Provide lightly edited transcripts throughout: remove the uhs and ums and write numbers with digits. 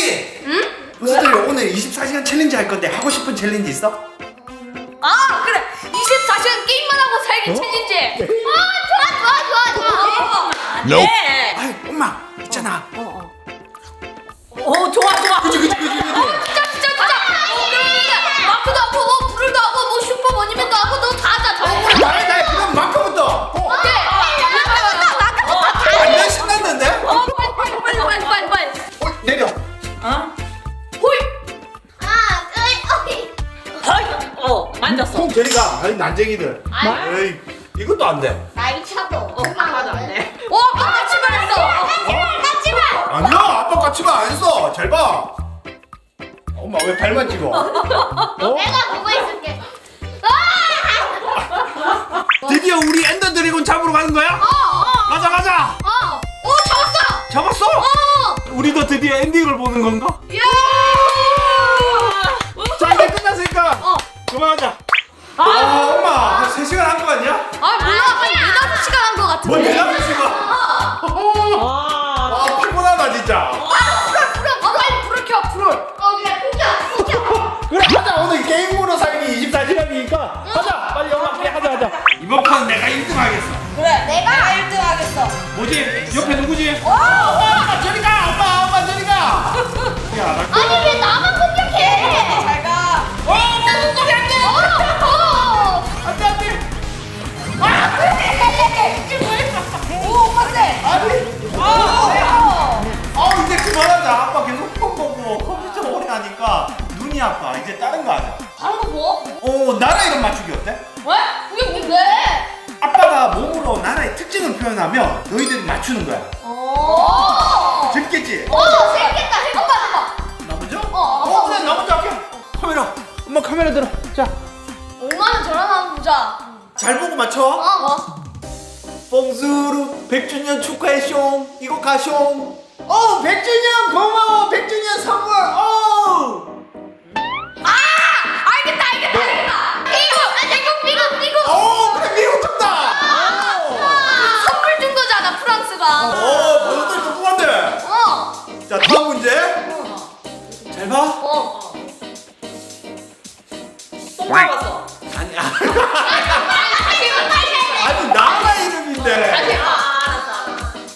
앤디! 응? 부스들 오늘 24시간 챌린지 할 건데 하고 싶은 챌린지 있어? 아 그래 24시간 게임만 하고 살기 챌린지. 좋아. 네. 아이 엄마 있잖아. 좋아. 그치. 진짜. 그러면 마크도 하고 불도 하고 뭐 슈퍼머니맨도 하고 너 다 하자. 정말. 나 그럼 마크부터. 오케이. 완전 신났는데? 빨리. 내려. 호이. 만졌어. 콩 저리가. 아이 난쟁이들. 에이 이것도 안 돼. 아빠도 안 돼. 같이 말했어. 아니야 아빠 까치가 안 했어. 잘 봐. 엄마 왜 발만 찍어? 드디어 우리 엔더 드래곤 잡으러 가는 거야? 가자. 잡았어? 우리도 드디어 엔딩을 보는 건가? 자 이제 끝났으니까 그만하자. 엄마 한 3시간 한 거 아니야? 몰라. 한 4-5시간 한 거 같은데. 뭐 4-5시간? 아 피곤하다 진짜. 빨리 불을 켜. 그래 하자. 오늘 게임으로 살기 24시간이니까 하자. 빨리 엄마 빨리 하자. 이번 판 내가 1등 하겠어. 그래. 내가 1등 하겠어. 뭐지? 옆에 누구지? 엄마 저리 가. 엄마 저리 가. 야 나. 아니 왜 나만 공격해? 잘 가. 나 공격할게. 안돼. 오, 엄마 세. 이제 그만하자. 아빠 계속 폰 보고 컴퓨터 오래 하니까 눈이 아파. 이제 다른 거 하자. 다른 거 뭐? 나라 이름 맞추기 어때? 왜? 그게 뭔데? 아빠가 몸으로 나라의 특징을 표현하면 너희들이 맞추는 거야. 재밌겠지? 재밌겠다. 해봐. 나 먼저? 어. 그래 나 먼저 할게. 카메라. 엄마 카메라 들어. 자, 5만 원 전화하면 보자. 잘 보고 맞춰. 뭐? 뽕수루 100주년 축하해 숑. 이거 가 숑. 100주년 고마워. 100주년 선물. 알겠다. 미국. 그래 미국 정답. 선물 준 거잖아 프랑스가. 버섯들 똑똑한데. 자 다음 문제. 잘 봐. 똥 잡았어. 아니 아니 나라 이름인데. 알았어.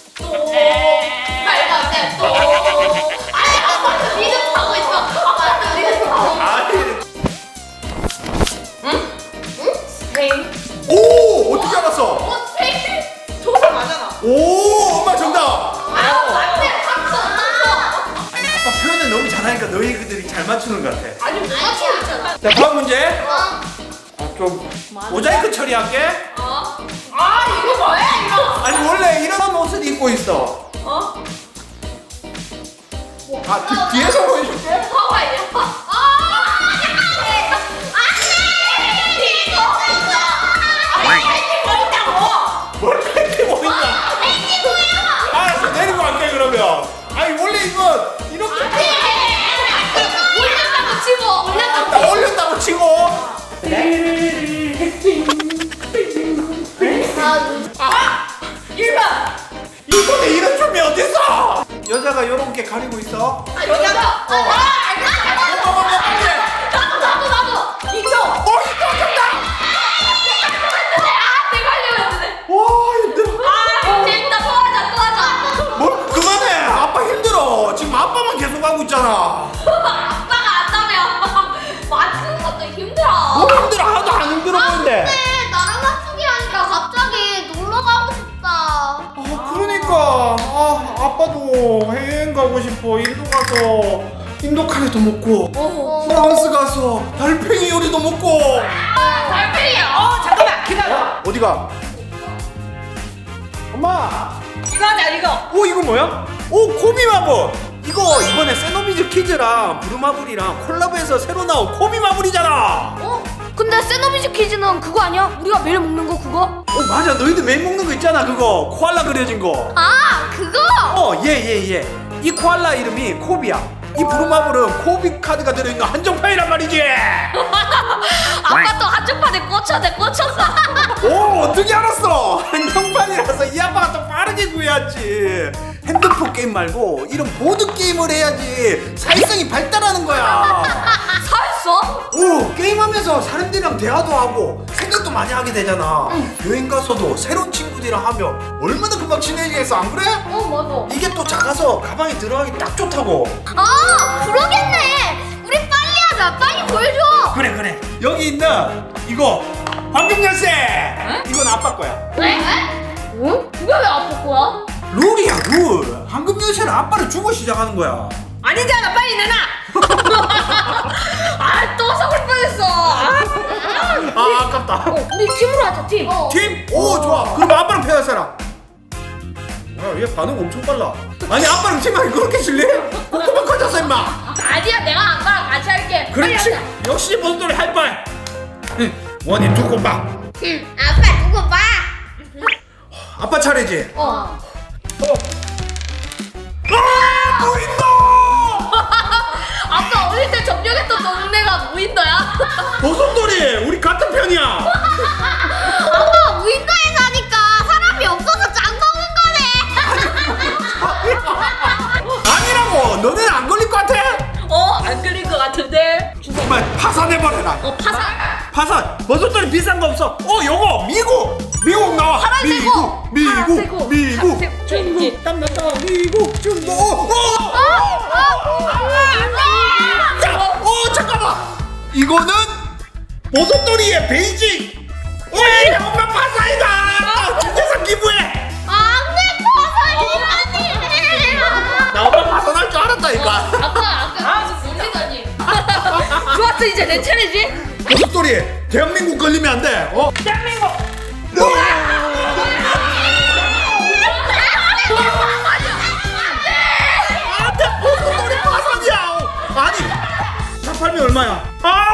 밟았네 또. 리듬 타고 있어. 아니. 스페인. 오 어떻게 알았어? 스페인. 조사 맞잖아. 오 엄마 정답. 맞네. 탔어. 아빠 표현을 너무 잘하니까 너희들이 잘 맞추는 것 같아. 아니 못 맞추고 있잖아. 자 다음 문제. 좀 모자이크 처리할게. 이거 뭐야 이거? 아니 원래 이런 옷을 입고 있어. 뒤에서 보여줄게. 하와이야. 뭘 팬티 뭐 있나? 알았어 내리고 갈게 그러면. 아니 원래 이거 이렇게 나 올렸다고 치고. 이번에 이런 춤이 어딨어? 여자가 요렇게 가리고 있어. 여자가. 와 힘들어. 뭘 그만해. 아빠 힘들어. 지금 아빠만 계속 하고 있잖아. 뭐 힘들어. 하나도 안 힘들어 보이는데. 그러니까 아빠도 해외여행 가고 싶어. 인도 가서 인도 카레도 먹고 프랑스 가서 달팽이 요리도 먹고. 잠깐만 기다려. 어디가? 엄마. 이거 하자 이거. 이거 뭐야? 코미마블. 이거 이번에 세노비즈 키즈랑 부루마블이랑 콜라보해서 새로 나온 코미마블이잖아. 근데 세노비즈 퀴즈는 그거 아니야? 우리가 매일 먹는 거 그거? 맞아. 너희들 매일 먹는 거 있잖아. 그거 코알라 그려진 거. 그거? 얘. 이 코알라 이름이 코비야. 이 부루마블은 코비 카드가 들어있는 한정판이란 말이지. 아까 또 한쪽판에 꽂혔어. 어떻게 알았어? 한정판이라서 이 아빠가 또 빠르게 구해왔지. 핸드폰 게임 말고 이런 보드 게임을 해야지 사회성이 발달하는 거야. 사했어? 오, 게임하면서 사람들이랑 대화도 하고 생각도 많이 하게 되잖아. 여행 가서도 새로운 친구들이랑 하면 얼마나 금방 친해지겠어, 안 그래? 맞아. 이게 또 작아서 가방에 들어가기 딱 좋다고. 아, 그러겠네. 우리 빨리 하자. 빨리 보여줘. 그래. 여기 있는 이거 황금 열쇠. 이건 아빠 거야. 왜? 응? 그게 왜 아빠 거야? 룰이야, 룰. 황금 열쇠는 아빠를 주고 시작하는 거야. 아니잖아, 빨리 내놔. 아, 또 속을 뻔했어. 아, 아깝다. 우리 팀으로 하자, 팀. 팀? 오, 좋아. 그럼 아빠랑 패할 사람. 야, 얘 반응 엄청 빨라. 아니, 아빠랑 팀하기 그렇게 실래? 꼬꼬만 커졌어, 임마. 아니야, 내가 아빠랑 같이 할게. 빨리 그렇지. 하자. 역시 버섯돌이 할빨. 원이 두고 봐. 아빠 누구 봐? 아빠 차례지. 어. 아, 무인도! 아빠 어릴 때 점령했던 동네가 무인도야? 버섯돌이, 우리 같은 편이야. 아빠 무인도에 사니까 사람이 없어서 짱 먹는 거네. 아니라고. 너네는 안 걸릴 것 같아? 안 끌릴 것 같은데. 정말 파산해버려라. 파산. 파산. 버섯돌이 비싼 거 없어. 요거 미국 나와. 파란색고. 미국. 중국. 땀난다. 미국, 중국. 잠깐만. 이거는 버섯돌이의 베이징. 오예, 엄마 파산이다. 준재산 기부해. 안돼 파산이라니. 나 엄마 파산할 줄 알았다니까. 아까 놀리다니. 좋았어, 이제 내 차례지. 버섯돌이, 대한민국 걸리면 안 돼. 대한민국. 안돼, 버섯돌이 파산이야. 아니, 차 팔면 얼마야?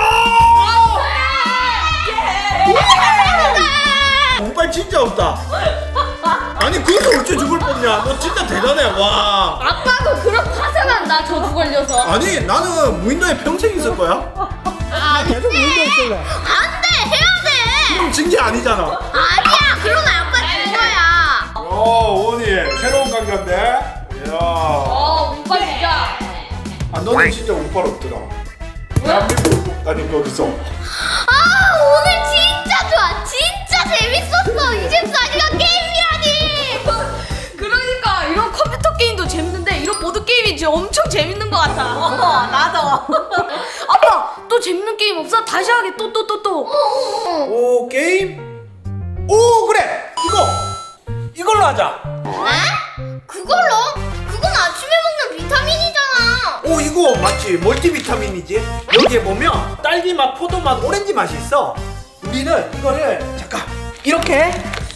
정말 진짜 없다. 아니, 그래서 어째 죽을 뻔냐. 너 진짜 대단해. 와. 아빠도 그런 파산한다. 저주 걸려서. 아니, 나는 무인도에 평생 있을 거야. 계속 무인도에 있을래. 안돼, 해야 돼. 그럼 징계 아니잖아. 아니야, 그러면 아빠 진 거야. 원이 새로운 강자인데. 이야. 오빠 진짜. 아, 너는 진짜 운빨 없더라. 대한민국 아니 거기서. 오늘 진짜 좋아. 진짜 재밌었어. 24시간 게임이라니. 그러니까 이런 컴퓨터 게임도 재밌는데 이런 보드 게임이 진짜 엄청 재밌는 것 같아. 나도. 아빠 또 재밌는 게임 없어? 다시 하게 또. 오, 게임? 오, 그래. 이걸로 하자. 에? 그걸로? 그건 아침에 먹는 비타민이잖아. 오, 이거 맞지? 멀티비타민이지? 여기에 보면 딸기 맛, 포도 맛, 오렌지 맛이 있어. 우리는 이거를 잠깐 이렇게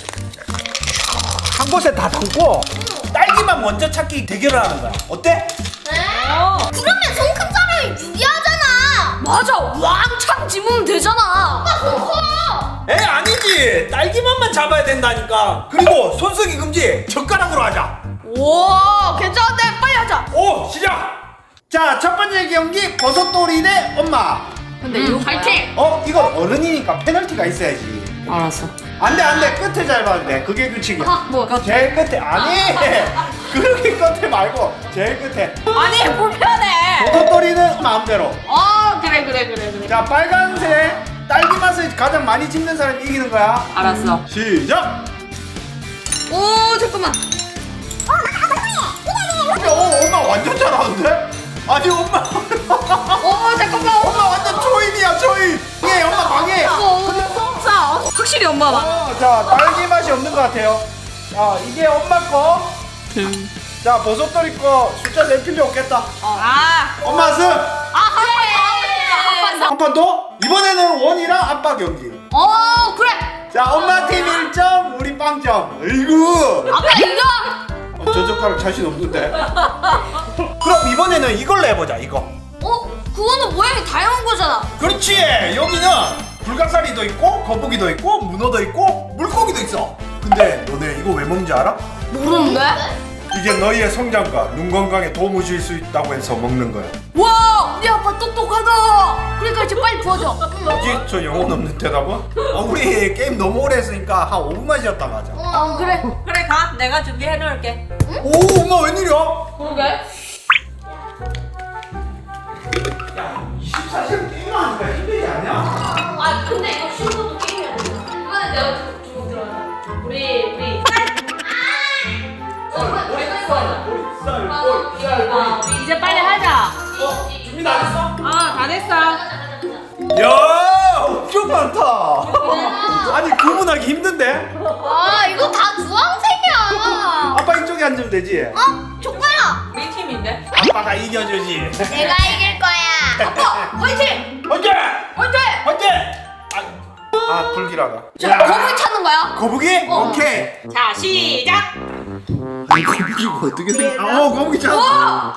한 곳에 다 담고 딸기 맛 먼저 찾기 대결을 하는 거야. 어때? 그러면 손 큰 사람이 유리하잖아. 맞아, 왕창 집으면 되잖아. 에, 아니지. 딸기 맛만 잡아야 된다니까. 그리고 손 쓰기 금지. 젓가락으로 하자. 와, 괜찮은데 빨리 하자. 오, 시작. 자, 첫 번째 경기 버섯돌이 대 엄마. 근데 이거 파이팅. 이건 어른이니까 페널티가 있어야지. 알았어. 안돼, 끝에 잘 봐야 돼. 그게 규칙이야. 뭐? 제일 끝에. 아니, 그렇게 끝에 말고 제일 끝에. 아니 불편해. 버섯돌이는 마음대로. 그래. 자, 빨간색 딸기 맛을 가장 많이 집는 사람이 이기는 거야. 알았어. 시작. 오, 잠깐만. 엄마 완전 잘하는데? 아니, 엄마. 잠깐만. 엄마 완전 초인이야, 초인. 예, 엄마 망해. 없어. 확실히 엄마만. 자, 딸기 맛이 없는 것 같아요. 자, 이게 엄마 거. 자, 버섯돌이 거 숫자 낼 필요 없겠다. 엄마 승. 한 판 더? 이번에는 원이랑 아빠 경기. 그래. 자, 엄마 팀 1점, 우리 빵점. 어이구. 아빠 이거. 저 젓가락 자신 없는데. 그럼 이번에는 이걸로 해보자, 이거. 그거는 모양이 다양한 거잖아. 그렇지. 여기는 불가사리도 있고, 거북이도 있고, 문어도 있고, 물고기도 있어. 근데 너네 이거 왜 먹는지 알아? 모르는데? 이게 너희의 성장과 눈 건강에 도움을 줄 수 있다고 해서 먹는 거야. 와, 우리 아빠 똑똑하다. 그러니까 이제 빨리 부어줘. 뭐지? 저 영혼 없는 대답은? 우리 게임 너무 오래 했으니까 한 5분만 쉬었다 가자. 그래. 그래 가. 내가 준비해 놓을게. 오 엄마 웬일이야? 그러게. 야 24시간 게임을 하니까 힘들지 않냐? 아 근데 이거 쉬운 것도 게임이 아니야. 이번엔 내가 주먹 들어가자. 우리. 우리 이제 빨리 하자. 준비 다 됐어? 아, 다 됐어. 야 엄청 많다. 아니 구분하기 힘든데? 아 이거 다 주황색이야. 아빠 이쪽에 앉으면 되지? 족발아. 우리 팀인데? 아빠가 이겨주지. 내가 이길 거야. 아빠, 화이팅! 화이팅! 화이팅! 화이팅! 아 불길하다. 자 거북이 찾는 거야. 거북이? 오케이. 자, 시작! 아니 거북이가 어떻게 생겼? 거북이 찾았다.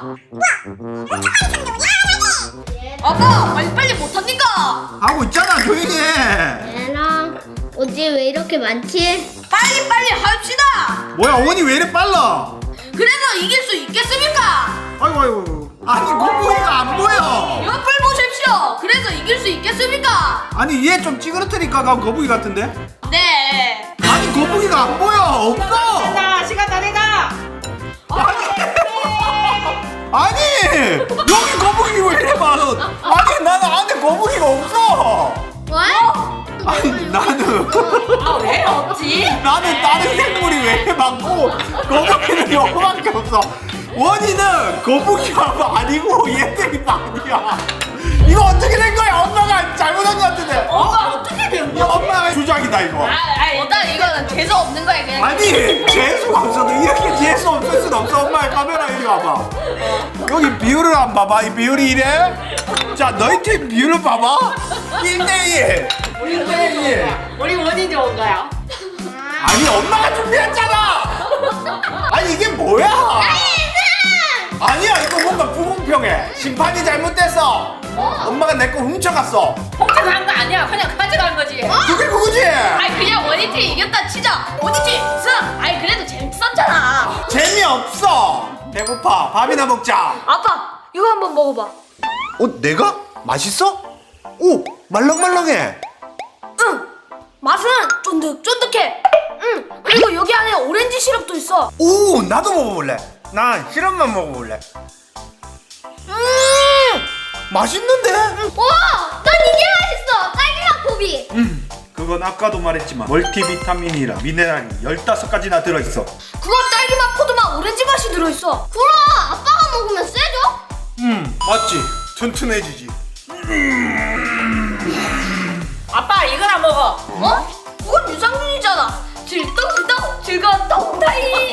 아빠 빨리 못합니까? 하고 있잖아 조용히 해. 얘랑 어디 왜 이렇게 많지? 빨리 합시다! 뭐야 어머니 왜 이래 빨라? 그래서 이길 수 있겠습니까? 아이고 아니 거북이가 안 보여. 옆을 보십시오! 그래서 이길 수 있겠습니까? 아니 얘 좀 찌그러뜨니까 거북이 같은데? 네! 아니 거북이가 안 보여. 없어. 자, 시간 다 돼가! 아니 여기 거북이 왜 이래 많아? 아니 나는 안에 거북이가 없어. 왜? 아니 나는 아, 왜 없지? 나는 다른 생물이 왜 이래 많고 거북이는 여기밖에 없어. 원인은 거북이가 아니고 얘들이 많이야. 이거 어떻게 된 거야? 엄마가 잘못한 것 같은데. 어떻게 된 이거 엄마가 주작이다 이거. 일단 이거는 재수 없는 거야, 그냥. 아니 재수가 없어도 이렇게 재수 없을 순 없어. 엄마의 카메라 이리 와봐. 여기 비율을 안 봐봐. 이 비율이 이래. 자 너희 팀 비율을 봐봐. 1대1 1대1. 우리 원인 좋은 거야. 아니 엄마가 준비했잖아. 아니 이게 뭐야? 아니야 이거 뭔가 불공평해. 심판이 잘못됐어. 엄마가 내 거 훔쳐갔어. 훔쳐간 거 아니야. 그냥 가져간 거지. 그게 그거지. 아니, 그냥 원희팀 이겼다 치자. 원희팀 승! 아니, 그래도 재밌었잖아. 재미없어. 배고파. 밥이나 먹자. 아빠, 이거 한번 먹어봐. 내가? 맛있어? 오 말랑말랑해. 응! 맛은 쫀득쫀득해. 응! 그리고 여기 안에 오렌지 시럽도 있어. 오 나도 먹어볼래. 난 시럽만 먹어볼래. 맛있는데? 와, 난 이게 맛있어. 딸기맛 고비. 그건 아까도 말했지만 멀티비타민이라 미네랄이 15가지나 들어있어. 그건 딸기맛, 포도맛, 오렌지 맛이 들어있어. 그럼 아빠가 먹으면 세죠? 맞지? 튼튼해지지. 아빠, 이거나 먹어. 그건 유산균이잖아. 질떡질떡 즐거운 똥타이.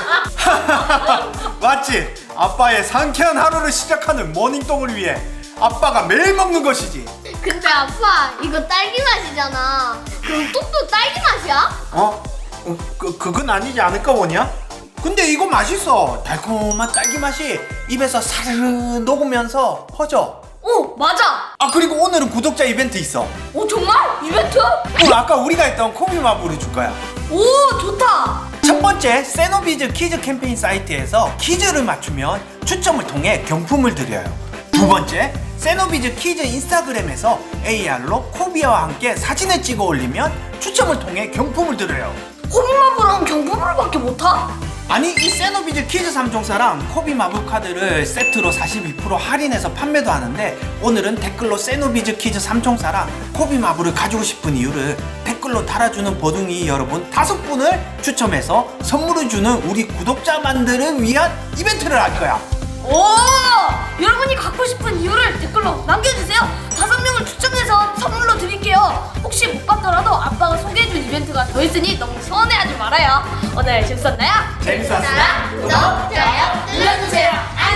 맞지? 아빠의 상쾌한 하루를 시작하는 모닝똥을 위해 아빠가 매일 먹는 것이지. 근데 아빠 이거 딸기 맛이잖아. 그럼 똥도 딸기 맛이야? 그건 아니지 않을까 원이야? 근데 이거 맛있어. 달콤한 딸기 맛이 입에서 사르르 녹으면서 퍼져. 오, 맞아. 아 그리고 오늘은 구독자 이벤트 있어. 오, 정말? 이벤트? 아까 우리가 했던 코비마블을 줄 거야. 오, 좋다. 첫 번째 세노비즈 퀴즈 캠페인 사이트에서 퀴즈를 맞추면 추첨을 통해 경품을 드려요. 두 번째 세노비즈 퀴즈 인스타그램에서 AR로 코비아와 함께 사진을 찍어 올리면 추첨을 통해 경품을 드려요. 호비마블랑 경품으로밖에 못 타? 아니 이 세노비즈 퀴즈 3종사랑 코비마블 카드를 세트로 42% 할인해서 판매도 하는데 오늘은 댓글로 세노비즈 퀴즈 3종사랑 코비마블을 가지고 싶은 이유를 댓글로 달아주는 버둥이 여러분 5분을 추첨해서 선물을 주는 우리 구독자만들을 위한 이벤트를 할 거야. 오! 여러분이 갖고 싶은 이유를 댓글로 남겨주세요. 5명을 추첨해서 선물로 드릴게요. 혹시 못 받더라도 아빠가 소개해준 이벤트가 더 있으니 너무 서운해하지 말아요. 오늘 재밌었나요? 재밌었어? 구독, 좋아요 눌러주세요.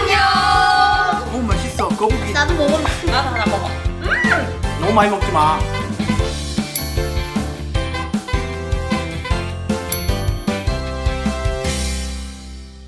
너무 맛있어 거북이. 나도 먹을래. 나도 하나 먹어. 너무 많이 먹지 마.